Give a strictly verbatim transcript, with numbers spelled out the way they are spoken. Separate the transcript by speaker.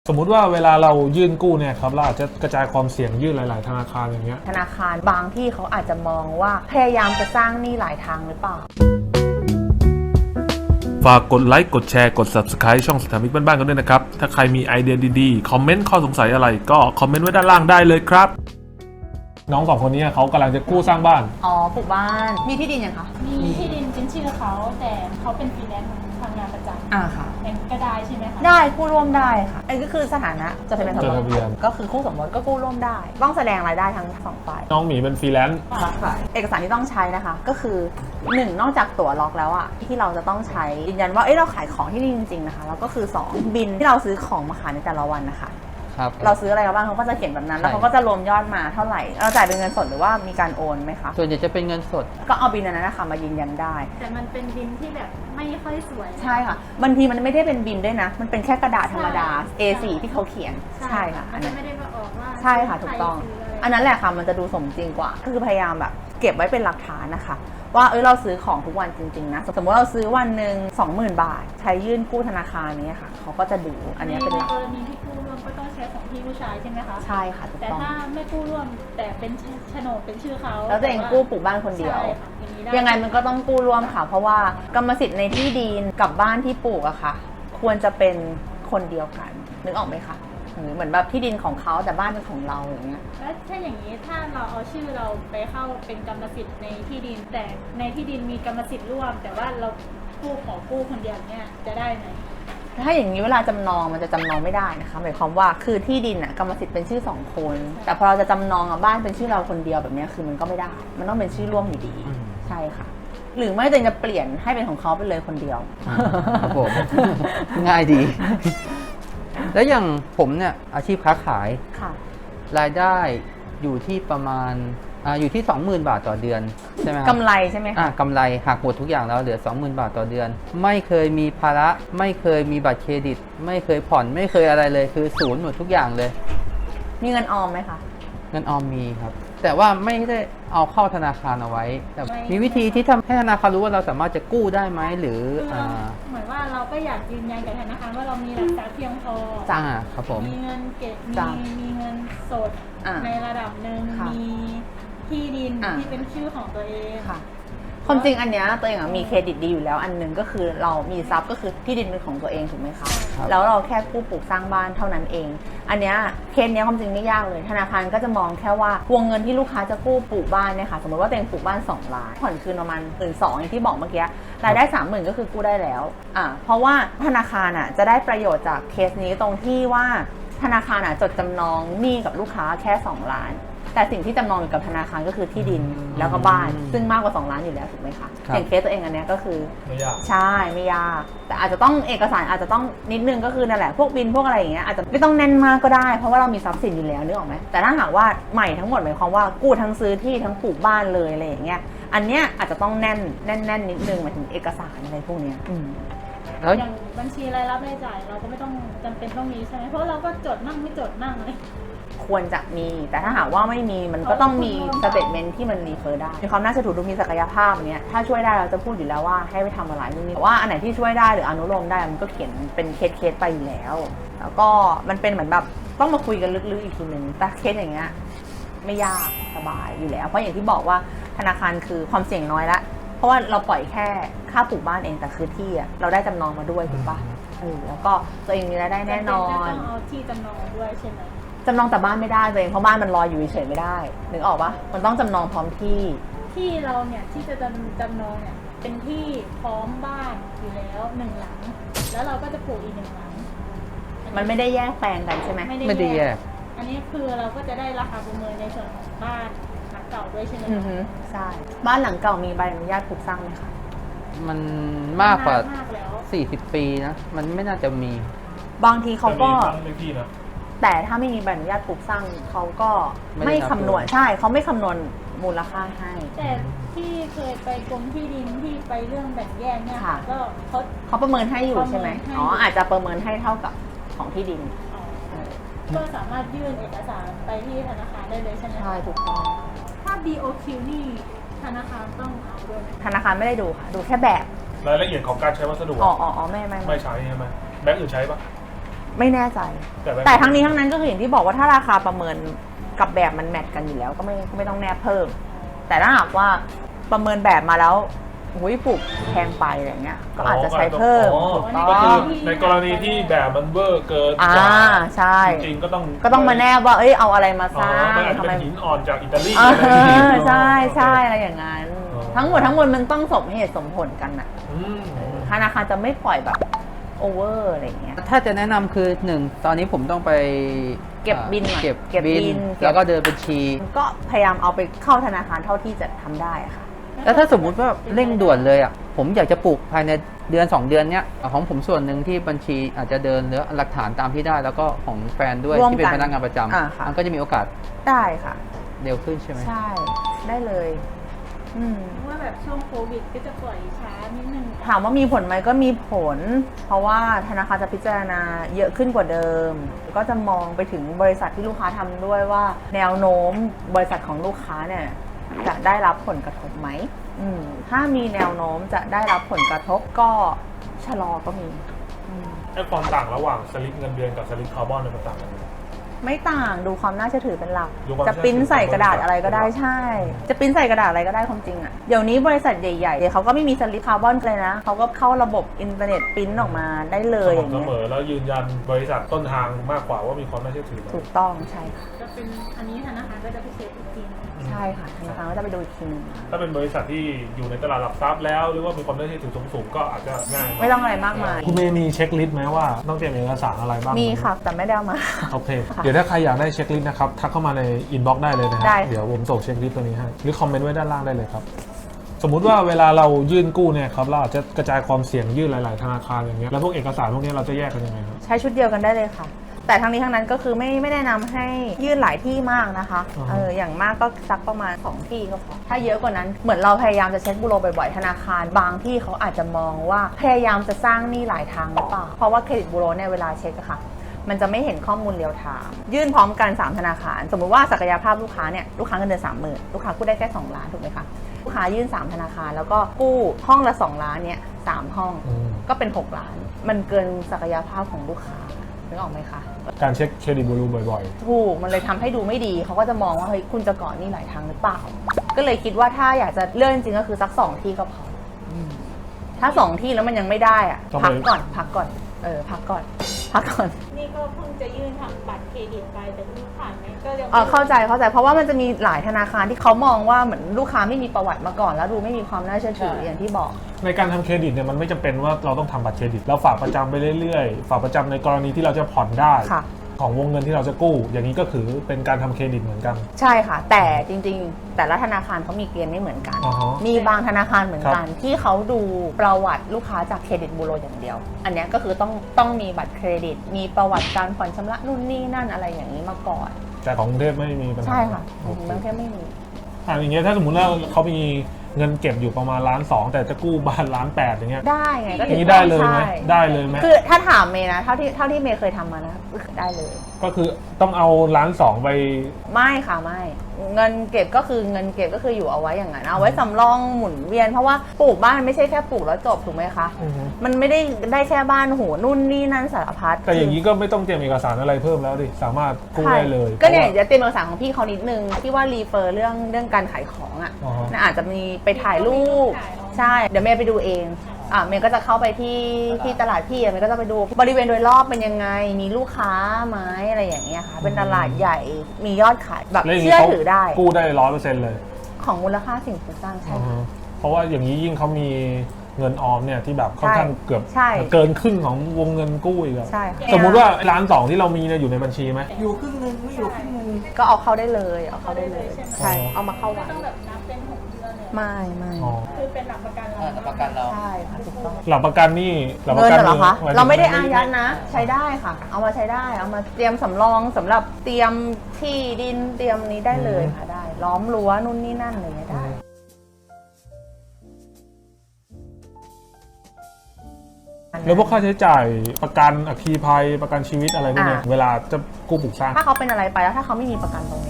Speaker 1: สมมุติว่าเวลาเรายื่นกู้เนี่ยครับเราอาจจะกระจายความเสี่ยงยื่นหลาย ๆ ธนาคารอย่างเงี้ย
Speaker 2: ธนาคารบางที่เขาอาจจะมองว่าพยายามจะสร้างหนี้หลายทางหรือเปล่า
Speaker 1: ฝากกดไลค์กดแชร์กด ซับสไครบ์ ช่องสถามิกบ้านๆกันด้วยนะครับถ้าใครมีไอเดียดีๆคอมเมนต์ข้อสงสัยอะไรก็คอมเมนต์ไว้ด้านล่างได้เลยครับน้องสองคนนี้เขากำลังจะกู้สร้างบ้าน
Speaker 2: อ๋อปลูกบ้านมีที่ดินยังคะ
Speaker 3: มีที่ดินเป็นชื่อเขาแต่เขาเป็นฟรีแลนซ์ทำงานประจำ
Speaker 2: อ่าค่ะ
Speaker 3: ก็ได้ใช่ไหมคะ
Speaker 2: ได้กู้ร่วมได้ค่ะอันนี้ก็คือสถานะจดทะเบียนสมรสก็คือคู่สมรสก็กู้ร่วมได้ต้องแสดงรายได้ทั้งสองฝ่าย
Speaker 1: น้องหมีเป็นฟรีแลนซ์
Speaker 2: ค่ะเอกสารที่ต้องใช้นะคะก็คือหนึ่งนอกจากตั๋วล็อกแล้วอ่ะที่เราจะต้องใช้ยืนยันว่าเอ้เราขายของที่นี่จริงๆนะคะแล้วก็คือสองบินที่เราซื้อของมาขายในแต่ละวันนะคะเราซื้ออะไรบ้างเขาก็จะเขียนแบบนั้นแล้วเขาก็จะรวมยอดมาเท่าไหร่เราจ่ายเป็นเงินสดหรือว่ามีการโอนไหมคะ
Speaker 4: ส่วนใหญ่จะเป็นเงินสด
Speaker 2: ก็เอาบินนั้นนะคะมายืนยันได้
Speaker 3: แต่มันเป็นบินที่แบบไม่ค่อยสวย
Speaker 2: ใช่ค่ะบางทีมันไม่ได้เป็นบินด้วยนะมันเป็นแค่กระดาษธรรมดา เอ โฟร์ ที่เขาเขียนใช่ค่ะ
Speaker 3: อันนั้นไม่ได้มาออกว่า
Speaker 2: ใช่ค่ะถูกต้องอันนั้นแหละค่ะมันจะดูสมจริงกว่าคือพยายามแบบเก็บไว้เป็นหลักฐานนะคะว่าเออเราซื้อของทุกวันจริงๆนะสมมติเราซื้อวันหนึ่ง สองหมื่น บาทใช้ยื่นกู้ธนาคารนี้ค่ะเขาก็จะดูอันนี้เป็นหลัก
Speaker 3: ในกรณีที่กู้ร่วมก็ต้องใช้ของพี่ผู้ชายใช่ไหมคะ
Speaker 2: ใช่ค่ะถูกต้อง
Speaker 3: แต่ถ้าไม่กู้ร่วมแต่เป็นโฉนดเป็นชื่อเขา
Speaker 2: แล้วตัวเองกู้ปลูกบ้านคนเดียวยังไงมันก็ต้องกู้ร่วมค่ะเพราะว่ากรรมสิทธิ์ในที่ดินกับบ้านที่ปลูกอะค่ะควรจะเป็นคนเดียวกันนึกออกไหมคะเหมือนแบบที่ดินของเขาแต่บ้านเป็นของเราอย่างเงี้ย
Speaker 3: แล้วถ้าอย่างนี้ถ้าเราเอาชื่อเราไปเข้าเป็นกรรมสิทธิ์ในที่ดินแต่ในที่ดินมีกรรมสิทธิ์ร่วมแต่ว่าเรากู้ขอกู้คนเดียวเนี่ยจะได้ไหม
Speaker 2: ถ้าอย่างนี้เวลาจำนองมันจะจำนองไม่ได้นะคะหมายความว่าคือที่ดินอะกรรมสิทธิ์เป็นชื่อสองคนแต่พอเราจะจำนองอะบ้านเป็นชื่อเราคนเดียวแบบนี้คือมันก็ไม่ได้มันต้องเป็นชื่อร่วมอยู่ดีใช่ค่ะหรือไม่ตัวเองจะเปลี่ยนให้เป็นของเขาไปเลยคนเดียว
Speaker 4: ครับผมง่ายดีแล้วอย่างผมเนี่ยอาชีพค้าขายรายได้อยู่ที่ประมาณอ่าอยู่ที่ สองหมื่น บาทต่อเดือนใช่ไหมครับ
Speaker 2: กำไรใช่ไหมคะ
Speaker 4: อ่ากำไรหักหมดทุกอย่างแล้วเหลือ สองหมื่น บาทต่อเดือนไม่เคยมีภาระไม่เคยมีบัตรเครดิตไม่เคยผ่อนไม่เคยอะไรเลยคือศูนย์หมดทุกอย่างเลย
Speaker 2: มีเงินออมไหมคะ
Speaker 4: เงินออมมีครับแต่ว่าไม่ได้เอาเข้าธนาคารเอาไว้แต่มีวิธีที่ทำให้ธนาคารรู้ว่าเราสามารถจะกู้ได้ไหมหรือ
Speaker 3: เหมือนว่าเราก็อยากยืนยันกับธนาคารว่าเรามีหลักทรัพย์เพียงพอ
Speaker 4: จ้าครับผม
Speaker 3: มีเงินเก็บมีมีเงินสดในระดับหนึ่งมีที่ดินที่เป็นชื่อของตัวเอง
Speaker 2: ค่ะความจริงอันเนี้ยตัวเองมีเครดิตดีอยู่แล้วอันนึงก็คือเรามีทรัพย์ก็คือที่ดินเป็นของตัวเองถูกไหมคะแล้วเราแค่กู้ปลูกสร้างบ้านเท่านั้นเองอันเนี้ยเคสเนี้ยความจริงไม่ยากเลยธนาคารก็จะมองแค่ว่าวงเงินที่ลูกค้าจะกู้ปลูกบ้านเนี่ยค่ะสมมติว่าตัวเองปลูกบ้านสองล้านผ่อนคืนประมาณหมื่นสองอย่างที่บอกเมื่อกี้รายได้สามหมื่นก็คือกู้ได้แล้วอ่าเพราะว่าธนาคารอ่ะจะได้ประโยชน์จากเคสนี้ตรงที่ว่าธนาคารอ่ะจดจำนองหนี้กับลูกค้าแค่สองล้านแต่สิ่งที่จำนองอยู่กับธนาคารก็คือที่ดินแล้วก็บ้านซึ่งมากกว่าสองล้านอยู่แล้วถูกไหมคะอย่างเคสตัวเองอันนี้ก็คือ
Speaker 1: ไม่ยาก
Speaker 2: ใช่ไม่ยากแต่อาจจะต้องเอกสารอาจจะต้องนิดนึงก็คือนั่นแหละพวกบินพวกอะไรอย่างเงี้ยอาจจะไม่ต้องแน่นมากก็ได้เพราะว่าเรามีทรัพย์สินอยู่แล้วนึกออกไหมแต่ถ้าหากว่าใหม่ทั้งหมดหมายความว่ากู้ทั้งซื้อที่ทั้งปลูกบ้านเลยอะไรอย่างเงี้ยอันเนี้ยอาจจะต้องแน่นแน่นแน่นนิดนึงหมายถึงเอกสารอะไรพวกเนี้ย
Speaker 3: แล้วอย่างบัญชีรายรับรายจ่ายเราก็ไม่ต้องจำเป็นต้องมีใช่ไหมเพราะเราก็จดมั่งไม่จดมั่งเลย
Speaker 2: ควรจะมีแต่ถ้าหากว่าไม่มีมันก็ต้องมีสเตทเมนต์ที่มันรีเฟอร์ได้มีความน่าเชื่อถือดูมีศักยภาพเนี้ยถ้าช่วยได้เราจะพูดอยู่แล้วว่าให้ไปทำอะไรนี่แต่ว่าอันไหนที่ช่วยได้หรืออนุโลมได้มันก็เขียนเป็นเคสเคสไปอยู่แล้วแล้วก็มันเป็นเหมือนแบบต้องมาคุยกันลึกๆอีกทีนึงแต่เคสอย่างเงี้ยไม่ยากสบายอยู่แล้วเพราะอย่างที่บอกว่าธนาคารคือความเสี่ยงน้อยละเพราะว่าเราปล่อยแค่ค่าปลูกบ้านเองแต่คือที่อะเราได้จำนองมาด้วยถูกปะเออแล้วก็ตัวเองมีรายได้แน่นอน
Speaker 3: ต้องเอาที่จำนองด้วยใช่ไหม
Speaker 2: จำนองแต่บ้านไม่ได้ตัวเองเพราะบ้านมันลอยอยู่เฉยไม่ได้นึกออกปะมันต้องจำนองพร้อมที่
Speaker 3: ที่เราเนี่ยที่จะจำจำนองเนี่ยเป็นที่พร้อมบ้านอยู่แล้วหนึ่งหลังแล้วเราก็จะปลูกอีกหนึ่งหลัง
Speaker 2: มันไม่ได้แยกแปลงกันใช่ไหม
Speaker 4: ไม่ได้แยก
Speaker 3: อันนี้คือเราก็จะได้ราคาประเมินในส่วนของบ้านหลังเก่าด้วยใช่ไหม
Speaker 2: ใช่บ้านหลังเก่ามีใบอนุญาตปลูกสร้างไหมคะ
Speaker 4: มันมากกว่าสี่สิบปีนะมันไม่น่าจะมี
Speaker 2: บางทีเขาก็แต่ถ้าไม่มีใบอนุญาตปลูกสร้างเขาก็ไม่คำนวณใช่เขาไม่คำนวณมูลค่าให้
Speaker 3: แต่ที่เคยไปกรมที่ดินที่ไปเรื่องแบ่งแยกเนี่ยก็เขา
Speaker 2: เขาประเมินให้อยู่ใช่ไหมอ๋ออาจจะประเมินให้เท่ากับของที่ดิน
Speaker 3: ก็สามารถยื่นเอกสารไปที่ธนาคารได้เลยใช่ไหม
Speaker 2: ใช่ถูกต้อง
Speaker 3: ถ้า บี โอ คิว นี่ธนาคารต้องเอาด้วย
Speaker 2: ธนาคารไม่ได้ดูค่ะดูแค่แบบ
Speaker 1: รายละเอียดของการใช้วัสดุ
Speaker 2: อ๋ออ๋อไม่ไม่
Speaker 1: ไม่ใช้ใช่ไหมแบงก์อื่นใช้ปะ
Speaker 2: ไม่แน่ใจ
Speaker 1: แต่ไม่
Speaker 2: แต่ทั้งนี้ทั้งนั้นก็คืออย่างที่บอกว่าถ้าราคาประเมินกับแบบมันแมทกันอยู่แล้วก็ไม่ก็ไม่ต้องแนบเพิ่ม แต่ถ้าหากว่าประเมินแบบมาแล้วหุยปลูกแพงไปอะไรเงี้ยก็อาจจะใช้เพิ่ม
Speaker 1: อ๋อ
Speaker 2: ถูกต้
Speaker 1: ก็
Speaker 2: อ
Speaker 1: คือง ในกรณีที่แบบมันเวอร์เกิน
Speaker 2: อ่าก
Speaker 1: ว่า
Speaker 2: ใช่
Speaker 1: จริงๆก็ต้อง
Speaker 2: ก็ต้องมาแนบว่าเอ้ยเอาอะไรมาส
Speaker 1: อ๋อ
Speaker 2: ร้าง
Speaker 1: มันอาจจะ
Speaker 2: ทำไม
Speaker 1: เป็นหินอ่อนจากอิตาลี
Speaker 2: เอ
Speaker 1: อะไรอย่างงี้
Speaker 2: อใช่ใช่อะไรอย่างนั้น
Speaker 1: อ๋อ
Speaker 2: ทั้งหมดทั้งมวลมันต้องสมเหตุสมผลกันน่ะ
Speaker 1: อืม
Speaker 2: ธนาคารจะไม่ปล่อยแบบโอเวอร์อะไรอย่างเงี้ย
Speaker 4: ถ้าจะแนะนำคือหนึ่งตอนนี้ผมต้องไป
Speaker 2: เก็บบิน
Speaker 4: อ่าเก็บ
Speaker 2: เก็บบิน
Speaker 4: แล้วก็เดินบัญชี
Speaker 2: ก็พยายามเอาไปเข้าธนาคารเท่าที่จะทำได้อะค่ะ
Speaker 4: แล้วถ้าสมมุติว่าเร่งด่วนเลยอ่ะผมอยากจะปลูกภายในเดือน สอง เดือนเนี้ยของผมส่วนหนึ่งที่บัญชีอาจจะเดินหรือหลักฐานตามที่ได้ แล้วก็ของแฟนด้วย
Speaker 2: ร่วม
Speaker 4: ที่เป็น
Speaker 2: กัน
Speaker 4: พนักงานประจ
Speaker 2: อ่าค่ะ
Speaker 4: ำมันก็จะมีโอกาส
Speaker 2: ได้ค่ะ
Speaker 4: เร็วขึ้นใช่ไหม
Speaker 2: ใช่ได้เลยอืม
Speaker 3: เพราะว่าแบบช่วงโควิดก็จะปล่อยช้านิดนึง
Speaker 2: ถามว่ามีผลไหมก็มีผล เพราะว่าธนาคารจะพิจารณาเยอะขึ้นกว่าเดิม ก็จะมองไปถึงบริษัทที่ลูกค้าทำด้วยว่า แนวโน้มบริษัทของลูกค้าเนี่ยจะได้รับผลกระทบไหมอืมถ้ามีแนวโน้มจะได้รับผลกระทบก็ชะลอก็มีอืม
Speaker 1: ไอ้ความต่างระหว่างสลิปเงินเดือนกับสลิปคาร์บอนเนี่ยมันต่างกันไหม
Speaker 2: ไม่ต่างดูความน่าเชื่อถือเป็นหลัก
Speaker 1: ดูความ
Speaker 2: จะปริ้นใส่กระดาษ
Speaker 1: น่าเชื่อถือ
Speaker 2: อะไรก็ได้ใช่ จะปริ้นใส่กระดาษอะไรก็ได้ความจริงอะเดี๋ยวนี้บริษัทใหญ่ๆเขาก็ไม่มีสลิปคาร์บอนเลยนะเขาก็เข้าระบบอินเทอร์เน็ตปริ้นออกมาได้เลยอย่าง
Speaker 1: เส
Speaker 2: เงี้ย
Speaker 1: มอแล้วยืนยันบริษัทต้นทางมากกว่าว่ามีความน่าเชื่อถือไหม
Speaker 2: ถูกต้องใช่ค่ะ
Speaker 3: จะเป็นอันนี้ธนาคารก็จะไปเช็คอีกทีนึง
Speaker 2: ใช่ค่ะธนาคารก็จะไปดูอีกทีนึง
Speaker 1: ถ้าเป็นบริษัทที่อยู่ในตลาดหลักทรัพย์แล้ว หรือว่ามีความน่าเชื่อถือสูงๆก็อาจจะง่าย
Speaker 2: ไม่ต้องอะไรมากมาย
Speaker 1: คุณเมย์มีเช็คลิสต์ไหมว่าต้องเตรียมเอกสารอะไรบ้าง
Speaker 2: มีค่ะแต่ไม่ได้เอามา
Speaker 1: โอเค
Speaker 2: ค่ะ
Speaker 1: เดี๋ยวถ้าใครอยากได้เช็คลิสต์นะครับทักเข้ามาในอินบ็อกซ์ได้เลยนะฮะ
Speaker 2: ได้ค่ะ
Speaker 1: เดี๋ยวผมส่งเช็คลิสต์ตัวนี้ให้หรือคอมเมนต์ไว้ด้านล่างได้เลยครับสมมุติว่าเวลาเรายื่นกู้เนี่ยครับเราอาจจะกระจายความเสี่ยงยื่นหลาย ๆ ธนาคารอย่างเงี้ยแล้วพวกเอกสารพวกนี้เราจะแยกกันยังไงครับ
Speaker 2: ใช้ชุดเดียวกันได้เลยค่ะ แต่ทั้งนี้ทั้งนั้นก็คือไม่ไม่แนะนำให้ยื่นหลายที่มากนะคะ
Speaker 1: อ่าฮะ
Speaker 2: เอออย่างมากก็สักประมาณสองที่ก็พอถ้าเยอะกว่านั้นเหมือนเราพยายามจะเช็คบูโรบ่อยๆธนาคารบางที่เขาอาจจะมองว่าพยายามจะสร้างหนี้หลายทางหรือเปล่าเพราะว่าเครดิตบูโรเนี่ยเวลาเช็คอะค่ะ มันจะไม่เห็นข้อมูลเรียลไทม์ยื่นพร้อมกันสามธนาคาร สมมุติว่าศักยภาพลูกค้าเนี่ยลูกค้าเงินเดือนสามหมื่นลูกค้ากู้ได้แค่สองล้านถูกไหมคะลูกค้ายื่นสามธนาคารแล้วก็กู้ห้องละสองล้านเนี่ยสามห้อง
Speaker 1: อืม
Speaker 2: ก็เป็นหกล้าน มันเกินศักยภาพของลูกค้านึกออกไหมคะ
Speaker 1: การเช็คเครดิตบูโรบ่อย
Speaker 2: ถูกมันเลยทำให้ดูไม่ดีเขาก็จะมองว่าเฮ้ยคุณจะก่อนหนี่หลายทางหรือเปล่า ก็เลยคิดว่าถ้าอยากจะเลื่อนจริงๆก็คือสักสองที่ก็พออถ้าสองที่แล้วมันยังไม่ได้อะพักก่อนพักก่อนเออพักก่อนพักก่อน
Speaker 3: นี่ก็เพิ่งจะยื่นทำบัตรเครดิตไปแต่ไม่รู้ผ่านไหมก็ยัง
Speaker 2: เออเข้าใจเข้าใจเพราะว่ามันจะมีหลายธนาคารที่เขามองว่าเหมือนลูกค้าไม่มีประวัติมาก่อน แล้วดูไม่มีความน่าเชื่อถืออย่างที่บอก
Speaker 1: ๆ ในการทำเครดิตเนี่ยมันไม่จำเป็นว่าเราต้องทำบัตรเครดิตเราฝากประจำไปเรื่อยๆ ฝากประจำในกรณีที่เราจะผ่อนได้
Speaker 2: ค่ะ
Speaker 1: ของวงเงินที่เราจะกู้ อย่างนี้ก็คือเป็นการทำเครดิตเหมือนกัน
Speaker 2: ใช่ค่ะ แต่จริงๆ แต่ละธนาคารเขามีเกณฑ์ไม่เหมือนกัน
Speaker 1: อ่าฮะ
Speaker 2: มีบางธนาคารเหมือนกันที่เขาดูประวัติลูกค้าจากเครดิตบูโรอย่างเดียว อันเนี้ยก็คือต้องต้องมีบัตรเครดิต มีประวัติการผ่อนชำระนู่นนี่นั่นอะไรอย่างนี้มาก่อน
Speaker 1: แต่ของกรุงเทพไม่มีปัญหา
Speaker 2: ใช่ค่ะ
Speaker 1: โอเค
Speaker 2: บางแค่ไม่มี
Speaker 1: อ่าอย่างเงี้ยถ้าสมมติว่าเขามีเงินเก็บอยู่ประมาณล้านสองแต่จะกู้บ้านล้านแปดอย่างเงี้ย
Speaker 2: ได้ไงก็
Speaker 1: อย่างนี้ได้เลยไหม
Speaker 2: ใช่
Speaker 1: ได้เลยไหม
Speaker 2: คือถ้าถามเมย์นะเท่าที่เท่าที่เมย์เคยทำมานะได้เลย
Speaker 1: ก็คือต้องเอาล้านสองไป
Speaker 2: ไม่ค่ะไม่ เงินเก็บก็คือเงินเก็บก็คืออยู่เอาไว้อย่างนั้นเอาไว้สำรองหมุนเวียนเพราะว่าปลูกบ้านไม่ใช่แค่ปลูกแล้วจบถูกไหมคะ
Speaker 1: อือฮึ
Speaker 2: มันไม่ได้ได้แค่บ้านโหนู่นนี่นั่นสารพัด
Speaker 1: แต่อย่างนี้ก็ไม่ต้องเตรียมเอกสารอะไรเพิ่มแล้วดิสามารถกู้
Speaker 2: ใช่
Speaker 1: ได้เลย
Speaker 2: ก็เนี่ย
Speaker 1: พราะว่า
Speaker 2: จะเตรียมเอกสารของพี่เขานิดนึงที่ว่ารีเฟอร์เรื่องเรื่องการขายของอ่ะ
Speaker 1: อ๋อฮะ
Speaker 2: น่าอาจจะมีไปถ่ายรูปใช่เดี๋ยวเมย์ไปดูเองอ่ะเมย์ก็จะเข้าไปที่ที่ตลาดพี่อ่ะเมย์ก็จะไปดูบริเวณโดยรอบเป็นยังไงมีลูกค้าไหมอะไรอย่างเงี้ยค่ะเป็นตลาดใหญ่มียอดขายแบบ
Speaker 1: แล้วอย่างนี้
Speaker 2: เชื่อ
Speaker 1: เขา
Speaker 2: ถือได้
Speaker 1: กู้ได้ร้อยเปอร์เซ็นต์เลย
Speaker 2: ของมูลค่าสิ่งปลูกสร้างใช่
Speaker 1: อือ
Speaker 2: ค่ะ
Speaker 1: ฮึเพราะว่าอย่างนี้ยิ่งเขามีเงินออมเนี่ยที่แบบค่อนข้างเกือบ
Speaker 2: ใช่
Speaker 1: เกินครึ่งของวงเงินกู้อีกอะ
Speaker 2: ใช่ค่ะ
Speaker 1: สมมุติว่าล้านสองที่เรามีเนี่ยอยู่ในบัญชีไหม
Speaker 4: อยู่ครึ่งนึงไม่อยู่ครึ่งนึง
Speaker 2: ก็เอาเข้าได้เลยเอาเข้าได้เลย
Speaker 3: ใช่ไหม
Speaker 2: ใช่เอามาเข้า
Speaker 3: ไม่
Speaker 2: ไว้
Speaker 3: ต้องแบบนับเป็นหกเดือนเลย
Speaker 2: ไม่ไม่
Speaker 1: อ๋อ
Speaker 3: คือเป็นหลักประกันเรา
Speaker 4: ประกันเรา
Speaker 2: ใช่ค่ะถูกต้อง
Speaker 1: หลักประกันนี่หลักป
Speaker 2: เงิ
Speaker 1: ระ
Speaker 2: น
Speaker 1: กัน
Speaker 2: เหรอคะ
Speaker 1: หยถึง
Speaker 2: เราไม่ได้อายัดนะ ใช้ได้ค่ะ เอามาใช้ได้ เอามาเตรียมสำรองสำหรับเตรียมที่ดินเตรียมนี้ได้เลยค่ะได้ ล้อมรั้วนู่นนี่นั่นอะไรอย่างเลยได้
Speaker 1: แล้วพวกค่าใช้จ่ายประกันอัคคีภัยประกันชีวิตอะไรพวกเนี้ย
Speaker 2: อ่า
Speaker 1: เวลาจะกู้ปลูกสร้าง
Speaker 2: ถ้าเขาเป็นอะไรไปแล้วถ้าเขาไม่มีประกันตรง